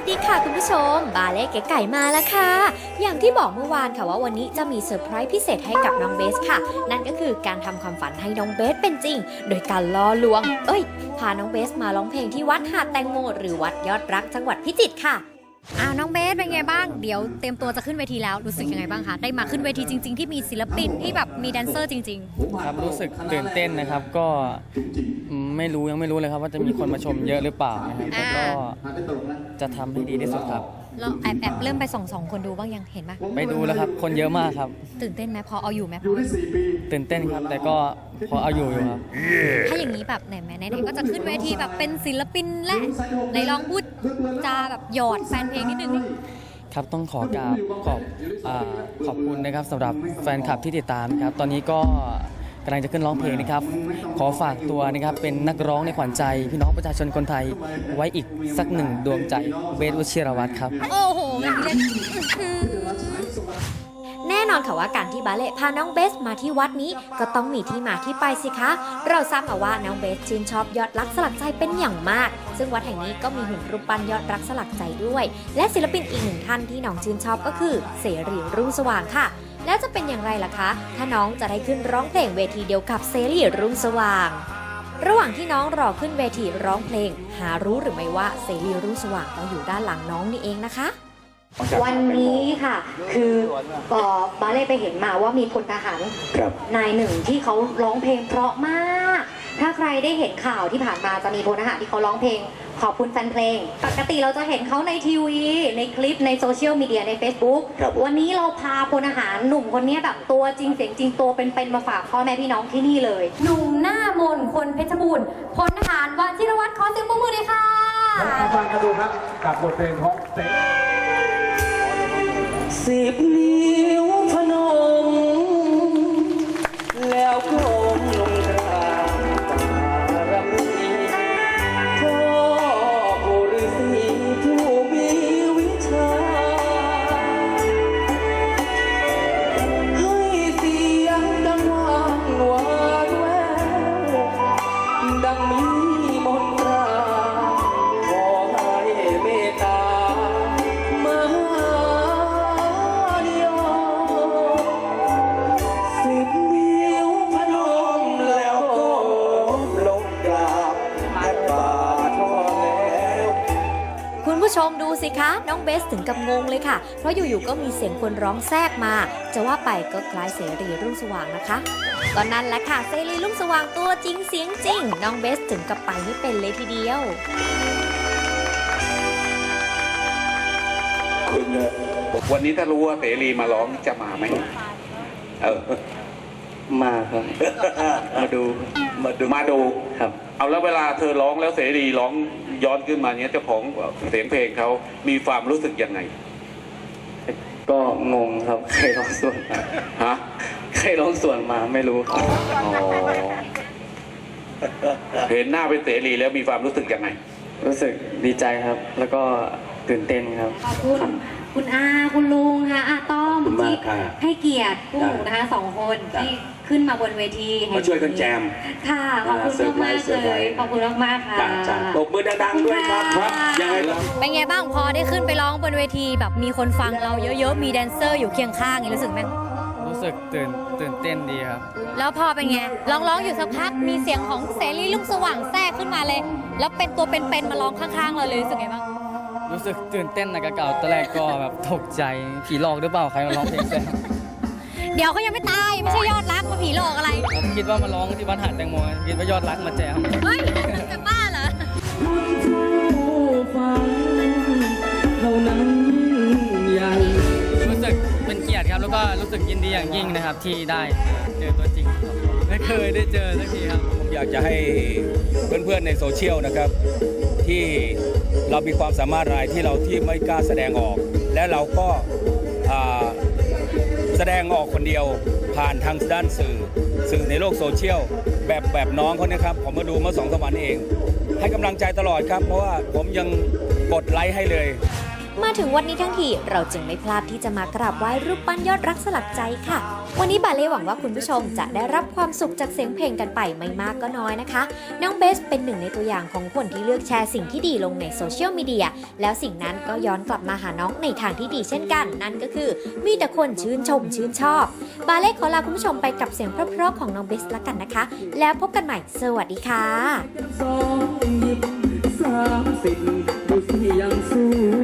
สดีค่ะคุณผู้ชมบาเล่เก๋ไก่มาแล้วค่ะอย่างที่บอกเมื่อวานค่ะว่าวันนี้จะมีเซอร์ไพรส์พิเศษให้กับน้องเบสค่ะนั่นก็คือการทำความฝันให้น้องเบสเป็นจริงโดยการล่อลวงพาน้องเบสมาร้องเพลงที่วัดหาดแตงโมหรือวัดยอดรักจังหวัดพิจิตรค่ะน้องเบสเป็นไงบ้างเดี๋ยวเตรียมตัวจะขึ้นเวทีแล้วรู้สึกยังไงบ้างคะได้มาขึ้นเวทีจริงๆที่มีศิลปินที่แบบมีแดนเซอร์จริงๆครับรู้สึกตื่นเต้นนะครับก็ยังไม่รู้เลยครับว่าจะมีคนมาชมเยอะหรือเปล่านะครับแต่ก็จะทำให้ดีที่สุดครับเราแอบเริ่มไปส่องคนดูบ้างยังเห็นไหมไปดูแล้วครับคนเยอะมากครับตื่นเต้นไหมพอเอาอยู่ไหมตื่นเต้นครับแต่ก็พอเอาอยู่ครับถ้าอย่างนี้แบบไหนก็จะขึ้นเวทีแบบเป็นศิลปินและไหนลองพูดจาแบบหยอดแฟนเพลงนิดนึงครับต้องขอบคุณนะครับสำหรับแฟนคลับที่ติดตามครับตอนนี้ก็กำลังจะขึ้นร้องเพลงนะครับขอฝากตัวนะครับเป็นนักร้องในขวัญใจพี่น้องประชาชนคนไทยไว้อีกสักหนึ่งดวงใจเบส วชิรวัตรครับโอ้โหแน่นอนค่ะว่าการที่บาเล่พาน้องเบสมาที่วัดนี้ก็ต้องมีที่มาที่ไปสิคะเราทราบมาว่าน้องเบสชื่นชอบยอดรักสลักใจเป็นอย่างมากซึ่งวัดแห่งนี้ก็มีหุ่นรูปปั้นยอดรักสลักใจด้วยและศิลปินอีกหนึ่งท่านที่น้องชื่นชอบก็คือเสรีรุ่งสว่างค่ะแล้วจะเป็นอย่างไรล่ะคะถ้าน้องจะได้ขึ้นร้องเพลงเวทีเดียวกับเสรีรุ่งสว่างระหว่างที่น้องรอขึ้นเวทีร้องเพลงหารู้หรือไม่ว่าเสรีรุ่งสว่างก็อยู่ด้านหลังน้องนี่เองนะคะวันนี้ค่ะคือบาเล่ไปเห็นมาว่ามีพลทหารนายหนึ่งที่เขาร้องเพลงเพราะมากถ้าใครได้เห็นข่าวที่ผ่านมาจะมีพลทหารที่เขาร้องเพลงขอบคุณแฟนเพลงปกติเราจะเห็นเขาในทีวีในคลิปในโซเชียลมีเดียใน Facebook วันนี้เราพาพลทหารหนุ่มคนนี้แบบตัวจริงเสียงจริงตัวเป็นๆมาฝากพ่อแม่พี่น้องที่นี่เลยหนุ่มหน้ามนคนเพชรบูรณ์พลทหารวชิรวัตรขอเสียงปรบมือเลยค่ะฟังกันดูครับกับบทเพลงของเสรี 10 นิ้วพนมแล้วก้มลงกราบปารมีพ่อปู่ฤาษีผู้มีวิชาให้เสียงดังหวานหวานแววดังมีมนตราขอให้เมตตาคุณผู้ชมดูสิคะน้องเบสถึงกับงงเลยค่ะเพราะอยู่ๆก็มีเสียงคนร้องแทรกมาจะว่าไปก็คล้ายเสรีรุ่งสว่างนะคะตอนนั้นแหละค่ะเสรีรุ่งสว่างตัวจริงเสียงจริงน้องเบสถึงกับไปไม่เป็นเลยทีเดียววันนี้ถ้ารู้ว่าเสรีมาร้องจะมาไหมมาครับมาดูครับเอาแล้วเวลาเธอร้องแล้วเสรีร้องย้อนขึ้นมาเนี้ยเจ้าของเสียงเพลงเขามีความรู้สึกยังไงก็งงครับใครร้องส่วนมาใครร้องส่วนมาไม่รู้ครับเห็นหน้าเป็นเสรีแล้วมีความรู้สึกยังไงรู้สึกดีใจครับแล้วก็ตื่นเต้นครับขอบคุณอาคุณลุงค่ะอาต้อมที่ให้เกียรติผู้นะคะ2 คนที่ขึ้นมาบนเวทีมาช่วยกันแจมค่ะขอบคุณมากเลยขอบคุณมากค่ะตบมือดังๆด้วยครับยังไงเป็นไงบ้างพอได้ขึ้นไปร้องบนเวทีแบบมีคนฟังเราเยอะๆมีแดนเซอร์อยู่เคียงข้างรู้สึกไหมรู้สึกตื่นเต้นดีครับแล้วพอเป็นไงร้องอยู่สักพักมีเสียงของเสรีรุ่งสว่างแทรกขึ้นมาเลยแล้วเป็นตัวเป็นๆมาร้องข้างๆเราเลยรู้สึกไงบ้างรู้สึกตื่นเต้นนะกับเก่าตอนแรกก็แบบตกใจผีหลอกหรือเปล่าใครมาร้องเพลงแซ่เดี๋ยวเขายังไม่ตายไม่ใช่ยอดรักมาผีหลอกอะไรผมคิดว่ามาร้องที่วัดหาดแตงโมคิดว่ายอดรักมาแจมเฮ้ยจะบ้าเหรอรู้สึกเป็นเกียรติครับแล้วก็รู้สึกยินดีอย่างยิ่งนะครับที่ได้เจอตัวจริงไม่เคยได้เจอสักทีครับผมอยากจะให้เพื่อนๆในโซเชียลนะครับที่เรามีความสามารถอะไรที่ไม่กล้าแสดงออกและเราก็แสดงออกคนเดียวผ่านทางด้านสื่อในโลกโซเชียลแบบน้องเขาเนี่ยครับผมมาดูเมื่อ2-3 วันเองให้กำลังใจตลอดครับเพราะว่าผมยังกดไลค์ให้เลยมาถึงวันนี้ทั้งทีเราจึงไม่พลาดที่จะมากราบไหว้รูปปั้นยอดรักสลักใจค่ะ วันนี้บาเล่หวังว่าคุณผู้ชมจะได้รับความสุขจากเสียงเพลงกันไปไม่มากก็น้อยนะคะน้องเบสเป็นหนึ่งในตัวอย่างของคนที่เลือกแชร์สิ่งที่ดีลงในโซเชียลมีเดียแล้วสิ่งนั้นก็ย้อนกลับมาหาน้องในทางที่ดีเช่นกัน นั่นก็คือมีแต่คนชื่นชมชื่นชอบบาเล่ขอลาคุณผู้ชมไปกับเสียงเพราะๆของน้องเบสละกันนะคะ แล้วพบกันใหม่สวัสดีค่ะ 2 20 30ดูสิยังสู้